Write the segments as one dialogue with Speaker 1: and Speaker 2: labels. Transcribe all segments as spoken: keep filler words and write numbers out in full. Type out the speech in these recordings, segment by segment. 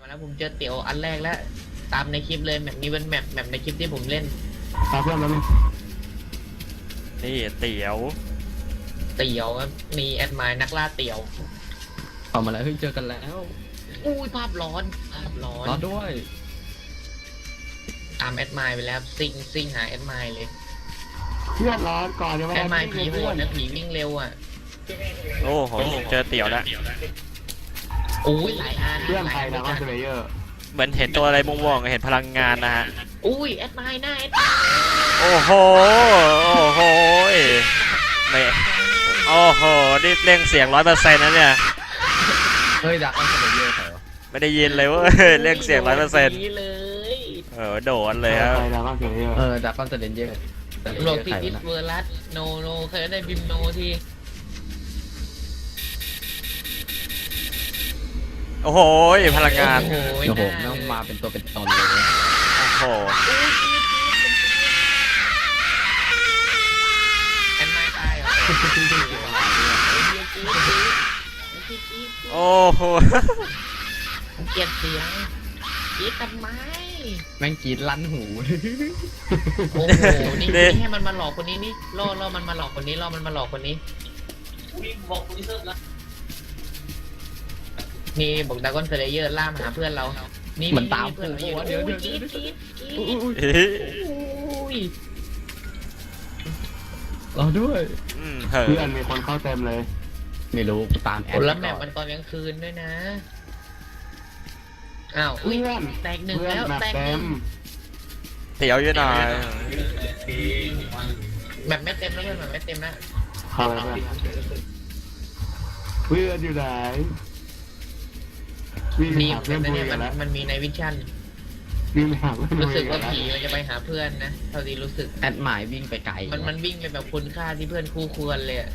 Speaker 1: มาแล้วผมเจอเตี๋ยวอันแรกแล้วตามในคลิปเลยแบบนี้เป็นแมปแมปในคลิปที่ผมเล่น
Speaker 2: ตามเพื่อนแล้วมั้ย
Speaker 3: นี่เตี๋ยว
Speaker 1: เตี๋ยวครับมีแอดมายนักล่าเตี๋ยว
Speaker 4: เอามาแล้วเฮ้ยเจอกันแล้ว
Speaker 1: อุ้ยภาพร้อนภาพร้อน
Speaker 4: รอด้วย
Speaker 1: ตามแอดมายไปแล้วซิงซิงหาแอดมายเลย
Speaker 2: เพื่อนร้อนก่อนเดี๋ยว
Speaker 1: แอดมาย
Speaker 2: วิ่
Speaker 1: ผี
Speaker 2: ง
Speaker 1: โห
Speaker 2: เพื่อ
Speaker 1: ด
Speaker 2: น
Speaker 1: นะผีวิ่งเร็วอ่ะ
Speaker 3: โอ้โหเจอเตี๋ยวแล้ว
Speaker 1: อุ้ยหลายอัน
Speaker 2: เพื่อน
Speaker 1: หลา
Speaker 2: ใคร
Speaker 1: ย
Speaker 2: นะ
Speaker 1: อั
Speaker 2: ว่าน สเลเยอร์
Speaker 3: เหมือนเห็นตัวอะไรม่วงๆเห็นพลังงานนะฮะ
Speaker 1: อุ้ยแอดมายหน้าแอด
Speaker 3: โอ้โหโอ้โหไม่โอ้โหนี่เร่งเสียงร้อยเปอร์เซ็นต์นะเนี่ย
Speaker 4: เฮ้ยดักอันเสลเยอร์ใครวะ
Speaker 3: ไม่ได้ยินเลยเว่าเร่งเสียงร้อยเปอร์เซ็นต์
Speaker 1: เลย
Speaker 3: เออโดนเลยครับ
Speaker 2: ใครนะว่าสเลเยอร์
Speaker 4: เออดักอันเสลเยอร์
Speaker 1: โลกที่ดิสเวอร์ลัสโนโนเคยได้บิมโนที
Speaker 3: โอ้โหพลังงาน
Speaker 1: โอ้โห
Speaker 4: โอ้โหแม่งมาเป็นตัวเป็นตนเลย
Speaker 3: โอ้โห
Speaker 1: แอดมายตายเหรอ
Speaker 3: โอ้โห
Speaker 1: เกลียดเสียงกรีดทำไม
Speaker 4: แม่งกรีดลั่นหู
Speaker 1: โอ้โห นี่นี่ให้มันมาหลอกคนนี้นี่ล่อล่อมันมาหลอกคนนี้ล่อมันมาหลอกคนนี้นี่บอกดากอนเซเลเยอร์ล่ามาหาเพื่อนเรา นี่
Speaker 4: มันตาม
Speaker 1: เพื่อนเรา
Speaker 4: กู
Speaker 1: อยู่
Speaker 4: วะเดี๋ยวเดี๋ยว
Speaker 1: กรีด
Speaker 4: เดี๋ยว
Speaker 1: กรีดกรีด
Speaker 4: อุ้ย
Speaker 3: เฮ้ย
Speaker 1: อุ้ย
Speaker 4: รอด้วย
Speaker 3: อืมเฮ้ย
Speaker 2: เพื่อนมีคนเข้าเต็มเลย
Speaker 4: ไม่รู้กูตามแอ
Speaker 1: โอ้
Speaker 4: ด
Speaker 1: แล้วแม
Speaker 4: ก่
Speaker 1: ป
Speaker 4: อน
Speaker 1: มันตอนกลางคืนด้วยนะ อ้าวอุ้ย
Speaker 2: เพื่อน
Speaker 1: แตกหนึ่ง
Speaker 2: เพื่อน
Speaker 1: แล้ว
Speaker 2: แบบ
Speaker 1: แตกห
Speaker 2: เต็
Speaker 1: นึ่
Speaker 2: ม
Speaker 1: ง
Speaker 3: เตี๋ยวอยู่หน่อย
Speaker 1: แบบไม่เต็มแล้วเพื่อนแบบไม่เต็มนะ
Speaker 2: เข้าไปเพื่อนเพื่อนอยู่ไหนวิ่งไป
Speaker 1: ดี
Speaker 2: หา
Speaker 1: เหมื
Speaker 2: เพื่
Speaker 1: อ
Speaker 2: อน น
Speaker 1: กันนะ
Speaker 2: คุย
Speaker 1: เนี่ย
Speaker 2: กั
Speaker 1: มัน น
Speaker 2: แล้ว
Speaker 1: มันมีในวิชั่น
Speaker 2: วิ่งไปหาเพื่อน
Speaker 1: รู้สึก
Speaker 2: คุ
Speaker 1: ว่าย
Speaker 2: กัน
Speaker 1: ผีมันจะไปหาเพื่อนนะเท่าที่รู้สึก
Speaker 4: แอดหมายวิ่งไปไกล
Speaker 1: มันมันวิ่งไปแบบคุณค่าที่เพื่อนคู่ควรเลยอะ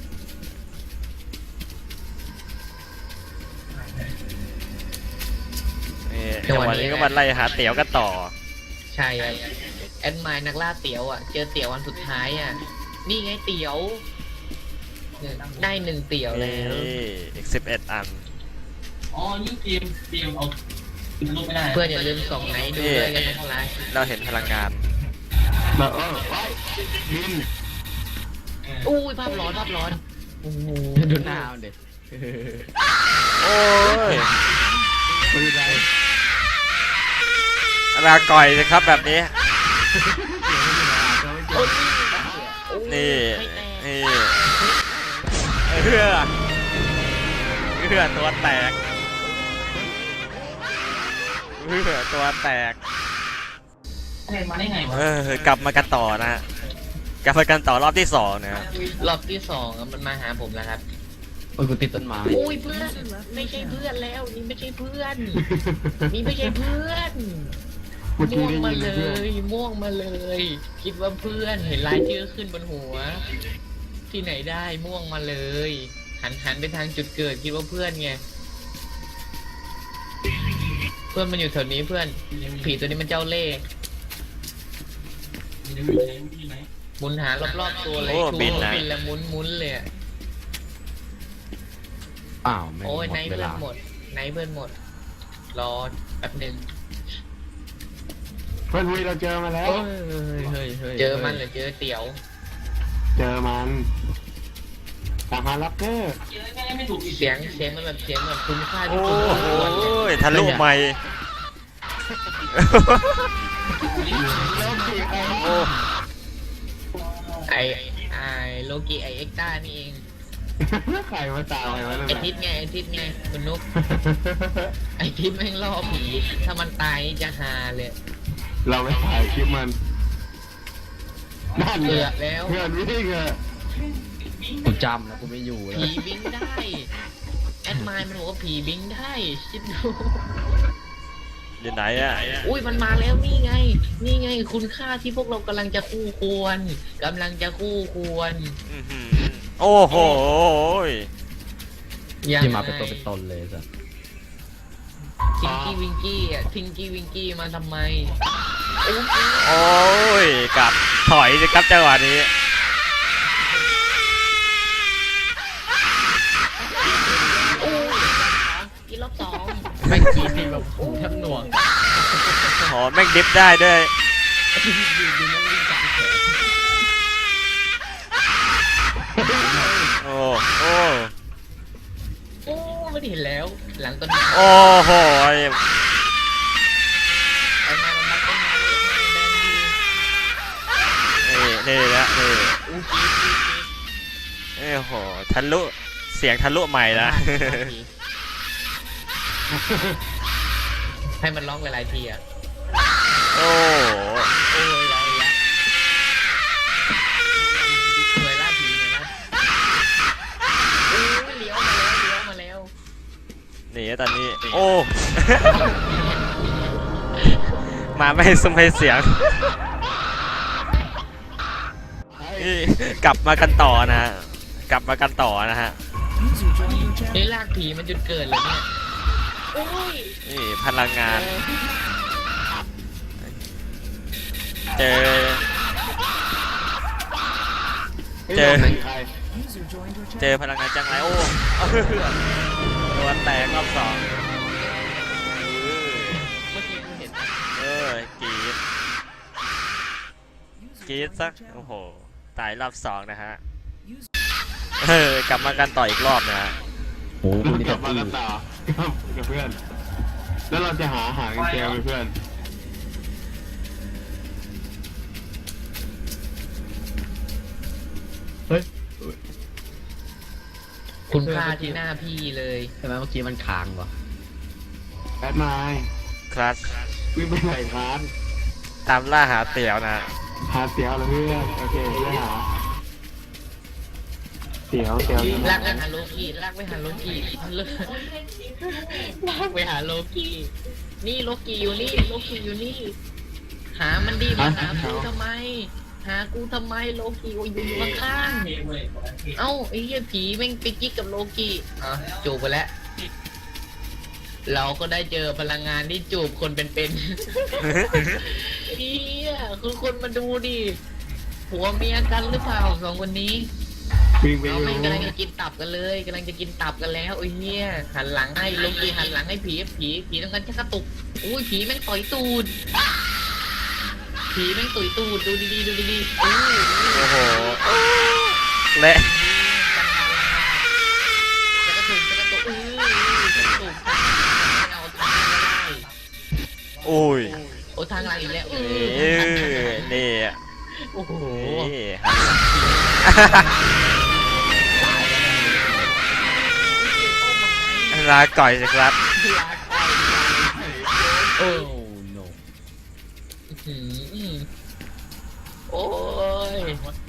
Speaker 3: นี่จังหวะนี้ก็มาไล่หาเตี๋ยวกันต่อ
Speaker 1: ใช่ครับแอดมายนักล่าเตี๋ยวอ่ะ เจอเตี๋ยววันสุดท้ายอ่ะ นี่ไงเตี๋ยวเนี่ยได้หนึ่งเตี๋ยว
Speaker 3: นี่
Speaker 1: แล้ว
Speaker 3: อีกสิบเอ็ดอัน
Speaker 5: อ๋อ นี่เตรียมเตรียมเอาลูกไม่ได้
Speaker 1: เพื่อนอย่าลืมส่งไหนดูด้วยกันนะครับไลฟ์
Speaker 3: เราเห็นพลังงาน
Speaker 2: แบบเออไว้บิน
Speaker 1: อุ้ยภาพร้อนภาพร้อนโอ้โห
Speaker 4: ดูหน้ามันเด็ก
Speaker 3: โอ้ย
Speaker 2: ปืนอะไร
Speaker 3: ลาก่อยสิครับแบบนี้
Speaker 1: โอ้ย
Speaker 3: นี่
Speaker 1: ให้แตก
Speaker 3: นี่เพื่อเพื่อตัวแตกเพื่อตัวแตก
Speaker 5: ไงมาได้ไงวะ
Speaker 3: เออกลับมากันต่อนะฮะกลับมากันต่อรอบที่สองนะฮะ
Speaker 1: รอบที่สองอะมันมาหาผมแล้วครับ
Speaker 4: โอ้ยกูติดต้นไม้
Speaker 1: โอ้ยเพื่อนไม่ใช่เพื่อนแล้ว นี่ไม่ใช่เพื่อน นี่ไม่ใช่เพื่อน
Speaker 2: เมื่อกี้
Speaker 1: ม่วง
Speaker 2: ได้
Speaker 1: มา
Speaker 2: ยิน
Speaker 1: เล
Speaker 2: เพื่อน
Speaker 1: ย ม่วงมาเลย คิดว่าเพื่อนเห็นลายชื่อขึ้นบนหัว ที่ไหนได้ม่วงมาเลย หันหันไปทางจุดเกิดคิดว่าเพื่อนไง เพื่อนมันอยู่แถวนี้เพื่อน ผีตัวนี้มันเจ้าเล่ห์
Speaker 5: มีได้มีได้มีไหม
Speaker 1: หมุนหารอบๆตัวเลย
Speaker 3: โอ้
Speaker 1: ชู
Speaker 3: บินนะ
Speaker 1: บินแล้วหมุนหมุนเลยอะ
Speaker 4: อ้าวไม่ง
Speaker 1: โอ้ย
Speaker 4: หม
Speaker 1: ไน
Speaker 4: ด
Speaker 1: ท์
Speaker 4: เว
Speaker 1: เพื่อน
Speaker 4: ลา
Speaker 1: หมดไนท์เพื่อนหมด รอแป๊บหนึ่ง
Speaker 2: เพื่อนคุยเราเจอมาแล้ว
Speaker 4: เฮ้ยเฮ้ยเฮ้ย
Speaker 1: เจอมันหรือเจอเตี๋ยว
Speaker 2: เจอมันทหารรับเกอร์
Speaker 5: เจอแค่ไม่ถูกอีก
Speaker 1: เสียงเสียงมันแบบเสียงแบบคุณค่า
Speaker 3: โอ้
Speaker 1: ที่คุณ
Speaker 3: โห
Speaker 1: ควรเลย
Speaker 3: ทะลุไม่โอ้
Speaker 1: ไอไอโลกิไอเอ็กต้านี่เอง
Speaker 2: ใครมาตามใครมา
Speaker 1: ไอทิศไงไอทิศไงคุณนุ๊กไอทิศแม่งล่อผี ถ้ามันตายจะฮาเลย
Speaker 2: เราไปถ่ายคลิปมันนั่น
Speaker 1: เกื
Speaker 2: เล
Speaker 1: อย บแล้ว
Speaker 2: เพื่อนวิ่งอะ
Speaker 4: กูจำแล้วกูไม่อยู่แล้ว
Speaker 1: ผีบิงได้ แอดมายมันบอกว่าผีบิงได้คิดดู
Speaker 3: อยู่ไหนอ่ะ
Speaker 1: อุ้ยมันมาแล้วนี่ไง นี่ไงคุณค่าที่พวกเรากำลังจะคู่ควรกำลังจะคู่ควร
Speaker 3: อื้อหือโอ้โห
Speaker 1: ยัง
Speaker 4: ที่
Speaker 1: ไง
Speaker 4: มาเป็นตัวเป็นตนเลยสัส
Speaker 1: ทิงกี้วิงกี้อ่ะทิงกี้วิงกี้มาทำไมโอ้ย
Speaker 3: โอ้ยกลับถอยสิครับจังหวะนี้
Speaker 1: โอ้ยอีรอบสองแม่งกีที่แบบหูแทบหน่วง
Speaker 3: โหแม่งดิฟได้ด้วย
Speaker 1: ดูดูดูแม่งวิ่งกลับแขน
Speaker 3: โอ้โอ้
Speaker 1: โอ้ไม่เห็นแล้ว หลังต้นไม้
Speaker 3: โอ้โห
Speaker 1: ไอ้มามันมัดต้นไม้เลยแดงดี
Speaker 3: นี่นี่นะนี่
Speaker 1: อู้กีดกีดกีด
Speaker 3: โอ้โหทะลุเสียงทะลุใหม่นะ
Speaker 1: ให้มันร้องหลายๆทีอ่ะ
Speaker 3: โอ้
Speaker 1: โอ้ยร้องอีกแล้วเหนื่อยล่าผีเหนื่อยล่าโอ้ยเลี้ยวมาแล้วเลี้ยวมาแล้ว
Speaker 3: นี่ตอนนี้โอ้ มาไม่ให้ซุ้มให้เสียงนี่กลับมากันต่อนะฮะกลับมากันต่อนะฮะ
Speaker 1: นี่ลากผีมันจุดเกิดเลยเนี่ยโอ้ย
Speaker 3: นี่พลังงาน เจอ เจอ
Speaker 2: ใคร
Speaker 3: เจอพลังงานจังไรโอ้ตัวแตกรอบสอง
Speaker 1: เมื่อกี้กูเห็น
Speaker 3: เออกรีดกรีดสักโอ้โหตายรอบสองนะฮะเออกลับมากันต่ออีกรอบนะฮะ
Speaker 4: โอ้โห
Speaker 2: เรา
Speaker 4: มี
Speaker 2: ก
Speaker 4: แต่
Speaker 2: ลับมา
Speaker 4: ตี
Speaker 2: กันต่อกับเพื่อน แล้วเราจะหาอาหารกันเจอไหมเพื่อน
Speaker 4: เฮ้ย
Speaker 1: คุณค่าที่หน้าพี่เลย
Speaker 4: ใช่ไหมเมื่อกี้มันค้างวะ
Speaker 2: แบทไมล์
Speaker 3: คลาส
Speaker 2: วิ่งไปไหนคลาส
Speaker 3: ตามล่าหาเตี๋ยวนะฮะ
Speaker 2: หาเตี๋ยวเหรอเพื่อนโอเคเพื่อนหาเตี๋ยวเตี๋ยวอยู่ไหน
Speaker 1: ลากไปหาโลกี้ลากไปหาโลกี้ลากไปหาโลกี้นี่โลกี้อยู่นี่โลกี้อยู่นี่ หามันดีมาหากูทำไม หากูทำไมโลกี้กูอยู่ข้างๆเอ้าไอ้เหี้ยผีแม่งไปกิ๊กกับโลกี้อ่ะจูบไปแล้ว เราก็ได้เจอพลังงานที่จูบคนเป็นๆ เฮียคือคนมาดูดิผัวเมียกันหรือเปล่าสองคนนี้
Speaker 2: วิ่งไป
Speaker 1: เรา
Speaker 2: ดู
Speaker 1: ไม่กำลังจะกินตับกันเลยกำลังจะกินตับกันแล้วโอ้ยเฮียหันหลังให้โลกีหันหลังให้ผีผีผีต้องการชักกระตุกอุ้ยผีแม่งต่อยตูดผีแม่งต่อยตูดดูดีๆดูดีๆอู้
Speaker 3: โอ้โหและ
Speaker 1: ชักกระตุกชักกระตุกอู้ชักกระตุกเอาทางไม่ได้
Speaker 3: โอ้ย
Speaker 1: โอ้ทางอะไรอีกแล้ว
Speaker 3: เออนี่
Speaker 1: โอ้โห
Speaker 3: นี่ลาก่อยสิครับ
Speaker 1: โอ้
Speaker 4: โอ้โน
Speaker 1: หืมโอ้ย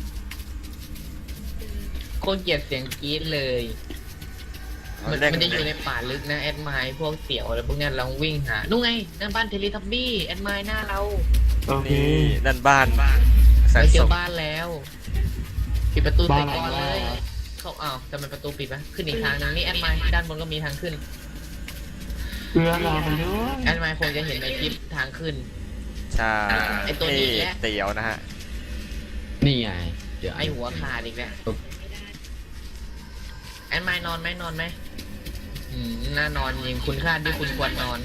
Speaker 1: โคตรเกลียดเสียงกรี๊ดเลย มันมันจะอยู่ในป่าลึกนะแอดไมล์พวกเสี่ยวอะไรพวกเนี้ยเราวิ่งหานู่นไงนั่นบ้านเทเลทับบี้แอดไมล์หน้าเรา
Speaker 2: โอเค
Speaker 3: นี่ด้านบ้านแสน
Speaker 1: เราเจ
Speaker 3: สุ
Speaker 1: อ
Speaker 3: ข
Speaker 1: บ้านแล้วปิดประตูใส่ก่อน
Speaker 2: บ้านอะไร
Speaker 1: เลยเขาอ้าวทำไมประตูปิดวะขึ้นอีกทางนึงนี่แอดไมล์ด้านบนก็มีทางขึ้น
Speaker 2: เพื่อนเราไปด้วย
Speaker 1: แอดไมล์คงจะเห็นในคลิปทางขึ้น
Speaker 3: ใช่
Speaker 1: ไอ้ตัวนี้แหละ
Speaker 3: เตี๋ยวนะฮะ
Speaker 4: นี่ไงเดี๋ยว
Speaker 1: ไอหัวขาดอีกแล้วแอดไมล์นอนไหมนอนไหมอืมน่านอนยิงคุณค่าที่คุณควรนอน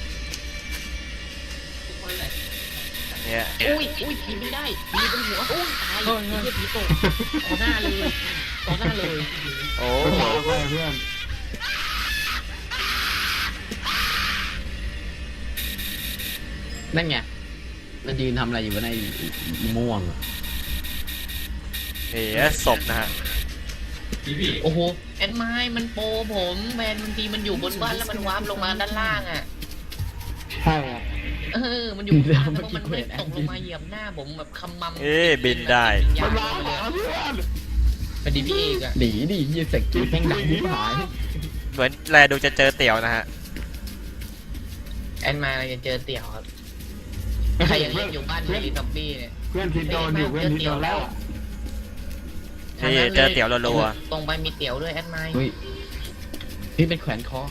Speaker 3: เนี่ย
Speaker 1: อุ้ยอุ้ยผีไม่ได้ผีบนหัวอุ้ยตายผีเหี้ยผีตกต่อหน้าเลยต่อหน้าเลย
Speaker 3: โอ้
Speaker 2: ไปหาไปเพื่อน
Speaker 4: นั่นไงมันยืนทำอะไรอยู่วะในม่วงอะ
Speaker 3: นี่ศพนะฮะ
Speaker 1: โอ้โหแอดไมล์มันโปรผมแมนบางทีมันอยู่บนบ้านแล้วมันวาร์ปลงมาด้านล่างอ่ะ
Speaker 2: ใช่อะ
Speaker 1: เออมันอยู่บนบ้านแล้วมันไม่ตกลงมาเหยียบหน้าผมแบบคำมัม
Speaker 3: เอ๊ะบินได้
Speaker 1: ยา
Speaker 2: มัน
Speaker 1: ว
Speaker 2: มา
Speaker 1: เล
Speaker 2: หาย เพื่อน
Speaker 1: เป็นดีพี่เอกอะ
Speaker 4: หนีดิยี่เสกจีแม่งดังที่หาย
Speaker 3: เหมือนแลดูจะเจอเตี๋ยวนะฮะ
Speaker 1: แอดไมล์เราจะเจอเตี่ยวครับใครยังเล่นอยู่บ้านเทลีทับบี้เนี่ย
Speaker 2: เพื่อนทิดโดนอยู่เพื่อนทิดโดนแล้ว
Speaker 3: นี่เจอเตี๋ยวรัว
Speaker 1: ตรงไปมีเตี๋ยวด้วยแอดไมล์
Speaker 4: เฮ้ยนี่เป็นแขวนคอ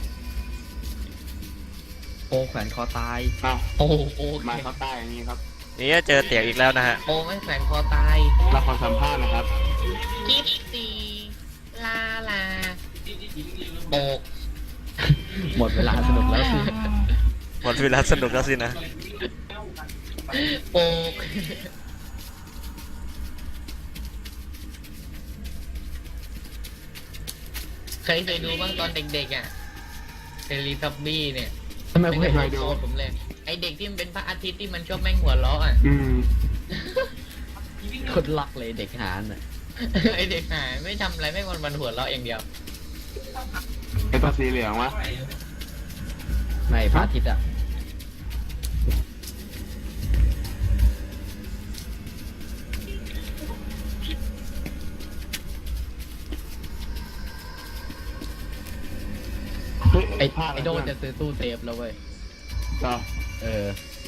Speaker 4: โอแขวนคอตาย
Speaker 2: อ้าว
Speaker 1: โอ้โหโอ
Speaker 2: มา
Speaker 1: เค
Speaker 2: เขาใต้อย่างนี้ครับ
Speaker 3: ๆนี่เจอเตี๋ยวอีกแล้วนะฮะ
Speaker 1: โอ้ไม่แขวนคอตาย
Speaker 2: เราขอสัมภาษณ์นะครับ
Speaker 1: กิฟซีลาลาโปก
Speaker 4: หมดเวลาสนุกแล้วสิ
Speaker 3: หมดเวลาสนุกแล้วสินะ
Speaker 1: โป๊กใครเคยดูบ้างตอนเด็กๆอ่ะเทเลทับบี้เนี่ย
Speaker 4: ทำไมกู
Speaker 1: ไม่
Speaker 4: เห็น
Speaker 1: เคยดูผมเลยไอเด็กที่มันเป็นพระอาทิตย์ที่มันชอบแม่งหัวล้ออ่ะ
Speaker 2: อืม
Speaker 4: คนล็อกเลยเด็กหานอ่ะ
Speaker 1: ไอเด็กหายไม่ทำอะไรไม่วันวันหัวเราะอย่างเดียว
Speaker 2: ไอ้ตัวสีเหลืองวะ
Speaker 4: ไม่พระอาทิตย์อ่ะ
Speaker 2: เฮ้ย
Speaker 4: ไอ้
Speaker 2: พลาด
Speaker 4: ไอ้โดนจะซื้อตู้เซฟแล้วเว้ย
Speaker 2: ต่อ
Speaker 4: เออ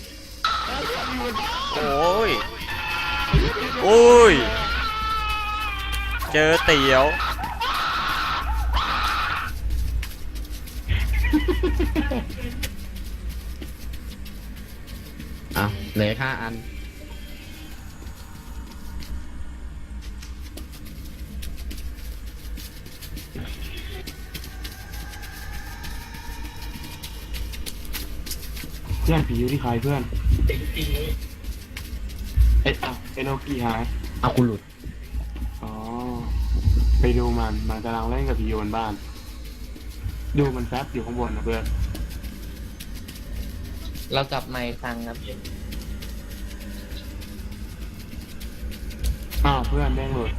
Speaker 3: โอ้ยโอ้ยเจอเตี๋ยว
Speaker 4: อ่ะเหลือห้าอัน
Speaker 2: เพื่อนผีอยู่ที่ใครเพื่อนเอ้ยเอาเอโนกิหาย
Speaker 4: เอากูหลุด
Speaker 2: อ๋อไปดูมันมันกำลังเล่นกับผีอยู่บนบ้าน ดูมันแฟบอยู่ข้างบนนะเพื่อน
Speaker 1: เรากลับมาอีกครั้งครับ
Speaker 2: อ้าวเพื่อนแม่งหลุด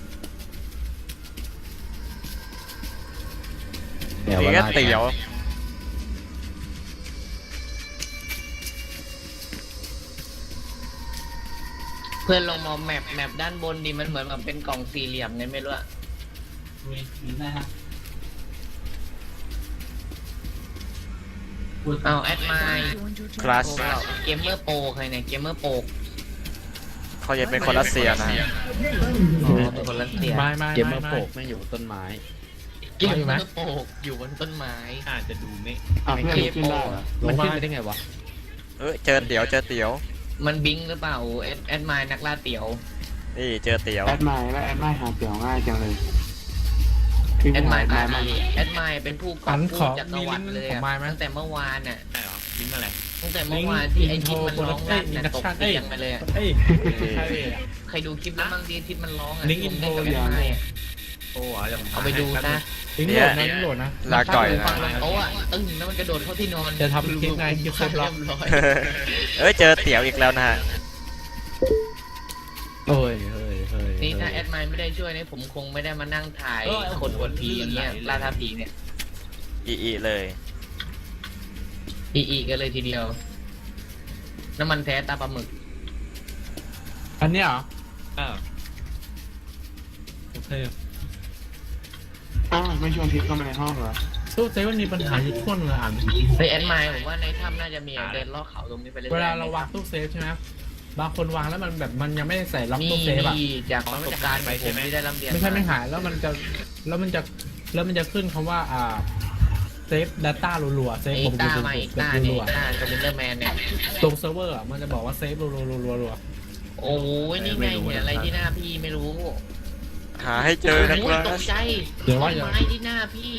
Speaker 4: เดี๋ยว
Speaker 3: นี่
Speaker 4: เว
Speaker 3: ก็
Speaker 4: ลา
Speaker 3: เตี๋ยว
Speaker 1: เพื่อนลองมองแมปแมปด้านบนดิมันเหมือนแบบเป็นกล่องสี่เหลี่ยมไงไม่รู้อะ
Speaker 5: นะฮะ
Speaker 1: เอาแอดไม
Speaker 3: คลาส
Speaker 1: เกมเมอร์โปใครเนี่ยเกมเมอร์โป
Speaker 3: เขาจะเป็นคนรัสเซียนะ
Speaker 1: อ๋อเป็นคนรัสเซีย
Speaker 6: ไม่ไม่
Speaker 4: เกมเมอ
Speaker 6: ไม่
Speaker 4: ร์
Speaker 6: ไม่
Speaker 4: โปกไม่งอยู่บนต้นไม้
Speaker 1: เกมเมอร์โปอยู่บนต้นไม้
Speaker 6: อาจจะดูไม่
Speaker 2: อ้าวเพื่อน
Speaker 1: ไม่
Speaker 2: ขึ้นได้เหรอ
Speaker 4: มันขึ้นไปได้ไงวะ
Speaker 3: เอ้ยเจอเตี๋ยวเจอเตี๋ยว
Speaker 1: มันบิงหรือเปล่าแอดแอดไมนักล่าเตี๋ยว
Speaker 3: นี่เจอเตี๋ยว
Speaker 2: แอดไมล์แล้วแอดไมล์หาเตี่ยวง่ายจังเลย
Speaker 1: แอดไม
Speaker 2: แอ
Speaker 1: อา
Speaker 2: ดไม
Speaker 1: ร์
Speaker 2: ล์
Speaker 1: ดีแอดไมเป็นผู้กอบกู้จักรวรรดิเลยอะตั้งแต่เมื่อวานน่ะ
Speaker 6: ใช่เหรอลิงก์อะไร
Speaker 1: ตั้งแต่เมื่อวานที่ไอทิศมันร้องลั่นน่ะตกเตียงไปเลยอะ
Speaker 6: เอ้ยใช่เลยอะ
Speaker 1: ใครดูคลิปแล้วบ้างที่ทิศมันร้องอ่ะ
Speaker 6: ลิงก์อินโทร
Speaker 1: ผมเล่นกับแอดไมอะ
Speaker 6: โอ้เอา
Speaker 1: เอาไปดูนะ
Speaker 6: ลิงก์โหลดนะลิงก์โหลดนะ
Speaker 3: ลาก่อย
Speaker 1: มัน
Speaker 3: นะ
Speaker 1: ฟังลงโต๊ะอะตึ้งแล้วมันกระโดดเข้าที่นอน
Speaker 6: จะทำคลิปไงคลิปครบรอบ
Speaker 1: เรียบร้อย
Speaker 3: เอ้ยเจอเตี๋ยวอีกแล้วนะฮะ
Speaker 4: เฮ้ยเฮ้ยเฮ้ย
Speaker 1: นี่ถ้า
Speaker 4: เฮ้ย
Speaker 1: แอดไมน์ไม่ได้ช่วยเนี่ยผมคงไม่ได้มานั่งถ่ายคนอวดผีอย่างเงี้ยล่าท้าผีเนี่ย
Speaker 3: อีอีเลย
Speaker 1: อีอีกันเลยทีเดียว น้ำมันแท้ตาปลาหมึก
Speaker 6: อันเนี้ยเหรออ่าโอเค
Speaker 2: อ้าวไม่ชวนทิพย์เข้ามาในห้องเหรอ
Speaker 6: ตู้เซฟมันมีปัญหาอยู่ทั่วเมืองอ่าน
Speaker 1: เฮ้ยแอดไมน์ผมว่าในถ้ำน่าจะมีเดินลอดเขาตรงนี้ไปเรื่อยๆ
Speaker 6: เวลาเราวางตู้เซฟใช่ไหมบางคนวางแล้วมันแบบมันยังไม่ได้ใส่ล็อก
Speaker 1: นี่
Speaker 6: ตู้เซฟอ่ะ
Speaker 1: นี่จากประสบการณ์ของผมที่ได้รับเรียน
Speaker 6: ไม่ใช่ไม่หายแล้วมันจะแล้วมันจะแล้วมันจะขึ้นคำว่าอ่าเซฟ data รัวๆเซฟ
Speaker 1: ไอ้
Speaker 6: ผม
Speaker 1: ตา
Speaker 6: ดู
Speaker 1: มา
Speaker 6: ดู
Speaker 1: อีก
Speaker 6: ดู
Speaker 1: ตาเนี่ย
Speaker 6: รัว
Speaker 1: ตาสปินเดอร์แมนเนี่ย
Speaker 6: ๆตรงเซิร์ฟเวอร์อ่ะมันจะบอกว่าเซฟรัวๆรัว
Speaker 1: โอ้ยนี่ไงเห็นอะไรที่หน้าพี่ไม่รู้
Speaker 3: หาให้เจอนะค
Speaker 1: โอ้
Speaker 3: รั
Speaker 1: ย
Speaker 3: บ
Speaker 1: ตกใจ
Speaker 6: ๆเดี๋ยวว่า
Speaker 1: ต้น
Speaker 6: อย่า
Speaker 1: ไม้ที่หน้าพี่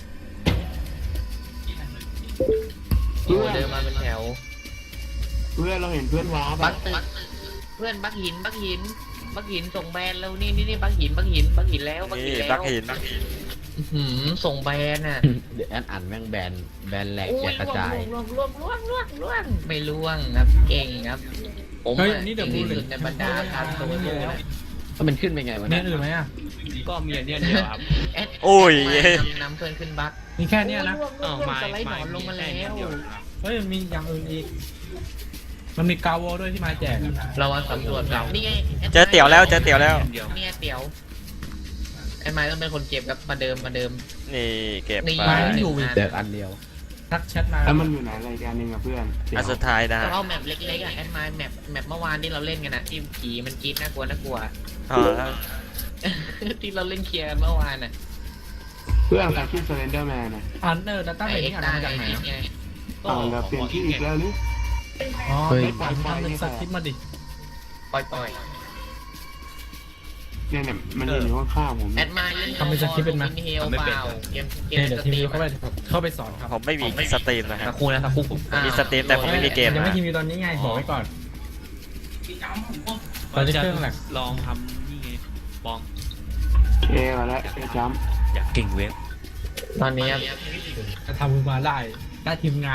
Speaker 1: โอ้เดินมาเป็นแถว
Speaker 2: เพื่อนเราเห็นเพื่อนว้า
Speaker 1: บั
Speaker 2: ปะ
Speaker 1: กตึกเพื่อนบักหินบักหินบักหินส่งแบรนด์แล้วนี่นี่นี่บักหินบักหินบักหินแล้วบักหิ
Speaker 3: นี่
Speaker 1: นแล้ว
Speaker 3: บักหิน
Speaker 1: อื้อหือส่งแบรนด์น่ะ
Speaker 4: เดี๋ยวแอนอ่านแม่งแบนแบนแหลก
Speaker 1: โอ้
Speaker 4: แจ
Speaker 1: ย
Speaker 4: กกระจาย
Speaker 1: ล่วงล่วงล่วงล่วงล่วงไม่ล่วงครับเก่งครับ ผม
Speaker 6: เฮ้ย
Speaker 1: อะ
Speaker 6: อันนี้เดี๋ยว
Speaker 1: เก่ง
Speaker 6: พูด
Speaker 1: ที่
Speaker 6: เลย
Speaker 1: สุดในบรรดาการโซโล่นะ
Speaker 4: แล้วมันขึ้นไปไงวะ
Speaker 6: เนี่
Speaker 4: เนี่ย ย
Speaker 6: อื่นไหมอ่ะ
Speaker 5: ก็มีอันเนี้ยเดียวครับ
Speaker 1: แอด
Speaker 3: โอ้ย
Speaker 1: แอดมานำนำเพื่อนขึ้นบัก
Speaker 6: มีแค่เนี้ยนะ
Speaker 1: โอ้ยล่วงล่วงล่วงสไลด์หนอนลงมาแล้ว
Speaker 6: เฮ้ยมันมีอย่างอื่นอีก มันมีกาโวด้วยที่มาแจกอะ
Speaker 1: เรามาสำรวจเรานี่ไง
Speaker 3: เจอเตี๋ยวแล้วเจอเตี๋ยวแล้ว
Speaker 5: เดียว
Speaker 1: เนี่ยเตี๋ยวไอ้ไม้ต้องเป็นคนเก็บครับมาเดิมมาเดิม
Speaker 3: นี่เก็บ
Speaker 1: นี่
Speaker 3: ไป
Speaker 4: แจกอันเดียว
Speaker 6: ทักแชทมา
Speaker 2: แล้วมันอยู่ไหนอะไรกันนึงอะเพื่อนเดี๋ยว
Speaker 3: อันสุดท้ายนะ
Speaker 1: ก็
Speaker 3: ฮะ
Speaker 1: เอาแมปเล็กๆอ่ะแอดไมล์แมปแมปเมื่อวานที่เราเล่นกันอ่ะที่ผีมันกรีดน่ากลัวน่ากลัว
Speaker 3: อ๋อแล้ว
Speaker 1: ที่เราเล่นเคลียร์กันเมื่อวานอ่ะ
Speaker 2: เพื่อนใครชื่อเซเลนเดอร์แมนอะ
Speaker 6: อันเดอร์ดัตต้าเบ
Speaker 1: ไอ
Speaker 6: ส
Speaker 1: เอ็
Speaker 6: นี่
Speaker 1: ก
Speaker 6: อ่าน
Speaker 1: ซ์ตา
Speaker 6: มา
Speaker 1: ไอ
Speaker 6: จากไหน
Speaker 1: ทิศ
Speaker 6: อะ
Speaker 1: ไง
Speaker 2: อ่าวเราเปลี่ยนชื่ออีกแล้วหรือ
Speaker 6: อ๋อ
Speaker 4: เฮ้ย
Speaker 6: ไม่ปล่อยทำเป็นสคริปต์มาดิ
Speaker 1: ปล่อยปล่อย
Speaker 2: เนี่ยเนี่ยมันยืนอยู่ข้างๆผม
Speaker 1: แอดมาเล่น
Speaker 6: ทำเป็นสคริปต์เป็นไหม
Speaker 1: เฮลเปล่าเกมเก
Speaker 6: โอ
Speaker 1: ม
Speaker 6: เคเดี๋ยว
Speaker 1: ส
Speaker 6: ที
Speaker 1: ต
Speaker 6: ม
Speaker 1: รี
Speaker 6: วิว
Speaker 1: ม
Speaker 6: เข้าไปเข้าไปสอนครับ
Speaker 3: ผมไม่มีสตรีมนะค
Speaker 4: สั
Speaker 3: รับ
Speaker 4: กครู่นะสักครู่ผม
Speaker 3: มีสตรีมแต่ผมไม่มีเกม
Speaker 6: ยัง
Speaker 3: นะ
Speaker 6: ไม่ทีมวิวตอนนี้ไงบอกไว้ก่อน
Speaker 5: พี่จำผมก็
Speaker 6: ตอนนี้เครื่องแหละ
Speaker 7: ลองทำนี่ไงบอม
Speaker 2: เอมาแล้วเอจัมป์
Speaker 7: อยากเก่งเว็บ
Speaker 1: ตอนนี้ครับ
Speaker 6: จะทำมาได้ได้ทีมงาน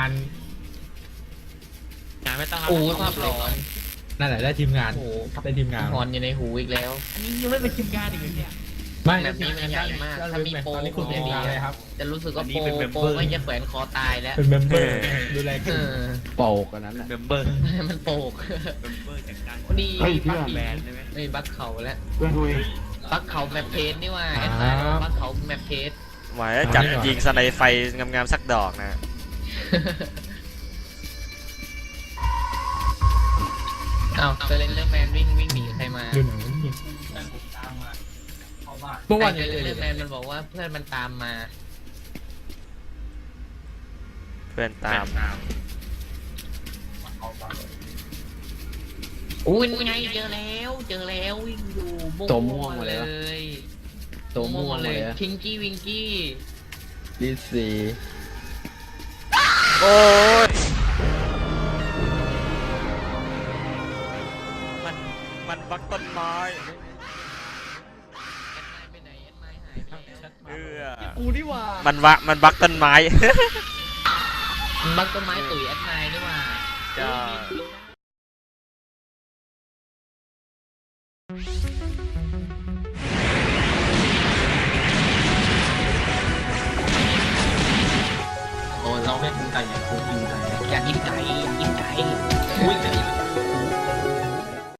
Speaker 7: งานไม่ต้อง
Speaker 1: โอ้ยภาพหลอน
Speaker 6: นั่นแหละได้ทีมงาน
Speaker 1: โอ้โห
Speaker 6: ได้ทีมงาน
Speaker 1: หอนอยู่ในหูอีกแล้ว
Speaker 7: อันนี้ยังไม่เป็นทีมงานอีกเลยเนี่ย
Speaker 6: ไม่
Speaker 1: แบบนี้มันใหญ่มาก
Speaker 6: ได้
Speaker 1: ถ้ามีโปร
Speaker 6: ตอนนี้คุณเป็นทีมงานเลยครับ
Speaker 1: จะรู้สึกว่า
Speaker 7: อันนี้
Speaker 1: โปร
Speaker 7: เป็น member
Speaker 1: โปรไม่จะแขวนคอตายแล้ว
Speaker 6: เป็นเมมเบอร์ดูแล
Speaker 1: เอ
Speaker 6: กัน
Speaker 1: อ
Speaker 4: โปกอันนั้นแหละ
Speaker 7: เมมเบอร์
Speaker 1: มันโปก
Speaker 7: เมมเบอร์จากการ
Speaker 1: ดี
Speaker 2: เฮ้ย
Speaker 1: บั
Speaker 2: เพื่
Speaker 1: ก
Speaker 2: อน
Speaker 7: แบนใช่ไหม
Speaker 1: ไม่บักเขาแล้ว
Speaker 2: เพื่อนคุย
Speaker 1: บักเขาแมปเพจนี่ว่าแอดไลน์บักเขาแมปเพจ
Speaker 3: หมายจับยิงสไนไฟงามๆสักดอกนะ
Speaker 1: อ้าวเซเลนเดอร์แมนวิ่งวิ่งหนีใครมา
Speaker 6: ดูหนังนี่
Speaker 5: ตามมาเพราะว่า
Speaker 6: เมื่อวาน
Speaker 1: เซ
Speaker 6: ยัง
Speaker 1: เล
Speaker 6: เจ
Speaker 1: น
Speaker 6: อ
Speaker 1: เด
Speaker 6: อ
Speaker 1: อยู่ ร์แมนมันบอกว่าเพื่อนมันตามมา
Speaker 3: เพื่อนตาม
Speaker 1: อุ้ยไงเจอแล้วเจอแล้ววิ่งอยู่
Speaker 4: ตัวม่วงมาเลย
Speaker 1: ย
Speaker 4: ตัวม่วง
Speaker 1: เล
Speaker 4: เลย ย
Speaker 1: พิงกี้วิงกี้
Speaker 4: ดิซี
Speaker 3: โอ้ยมันมันบักต้นไม้
Speaker 1: ไปไหนแอดไมล์หายไปแล้ว
Speaker 3: เออ
Speaker 6: กูนี่ว่า
Speaker 3: มันวะมันบักต้นไม้
Speaker 1: บักต้นไม้ตุ๋ยแอดไมล์นี่หว่า
Speaker 3: ใช่
Speaker 5: โอ้ยเราไม่คุ้นใจอย่างคุ้นยิงใจ
Speaker 1: อยากกินไก่อยากกินไก่
Speaker 5: อุ้ยแต่